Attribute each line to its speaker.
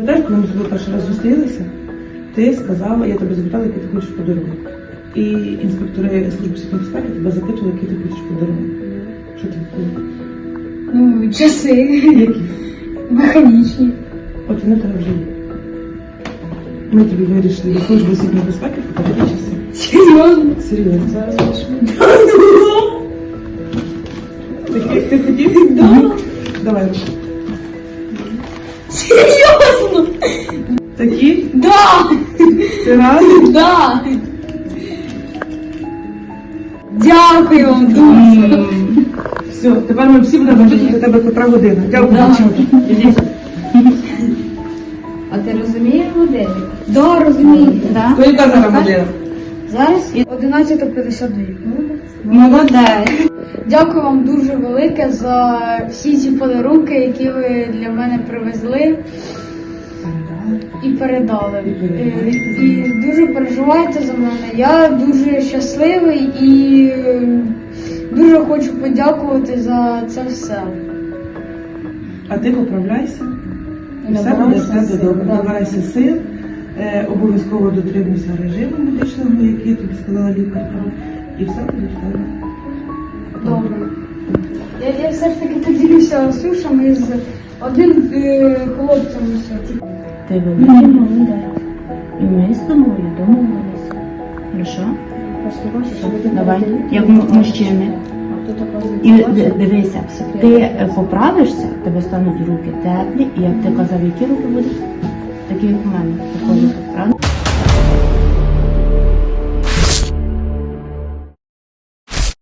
Speaker 1: Пам'ятаєш, коли ми з тобою перший раз зустрілися, ти сказала, я тебе запитала, який ти хочеш подарунок. І інспектори Служби психічної безпеки тебе запитували, який ти хочеш подарунок. Що ти відповіла?
Speaker 2: Ну, часи.
Speaker 1: Які?
Speaker 2: Механічні.
Speaker 1: От вони в тебе вже є. Ми тобі вирішили від Служби психічної безпеки подарити часи.
Speaker 2: Серйозно?
Speaker 1: Серйозно.
Speaker 2: Зараз пишу.
Speaker 1: Ти хотів?
Speaker 2: Да.
Speaker 1: Давай.
Speaker 2: Серйозно?
Speaker 1: Такі?
Speaker 2: Да!
Speaker 1: Ти радий?
Speaker 2: Да! Дякую вам дуже.
Speaker 1: Все, тепер ми всі будемо бачити тебе котра година. Дякую,
Speaker 2: Да.
Speaker 1: дівчата.
Speaker 3: А ти розумієш годинник?
Speaker 2: Да, розумієте.
Speaker 3: Да?
Speaker 1: То яка зараз година?
Speaker 2: Зараз 11:52.
Speaker 3: Молодець.
Speaker 2: Дякую вам дуже велике за всі ці подарунки, які ви для мене привезли і передали. І дуже переживайте за мене. Я дуже щасливий і дуже хочу подякувати за це все.
Speaker 1: А ти поправляйся. І все буде в тебе добре. Набирайся сил. Обов'язково дотримуйся режиму медичного, який тобі сказала лікарка. І все буде в тебе.
Speaker 2: Добре. Я все ж таки поділюся сушами з одним хлопцем.
Speaker 3: Ти великий молодець. І ми з тобою домовилися. Хорошо? Давай, як мужчини. І дивися, ти поправишся, тебе стануть руки теплі, і як ти казав, які руки будуть, такі як у мене. Правда?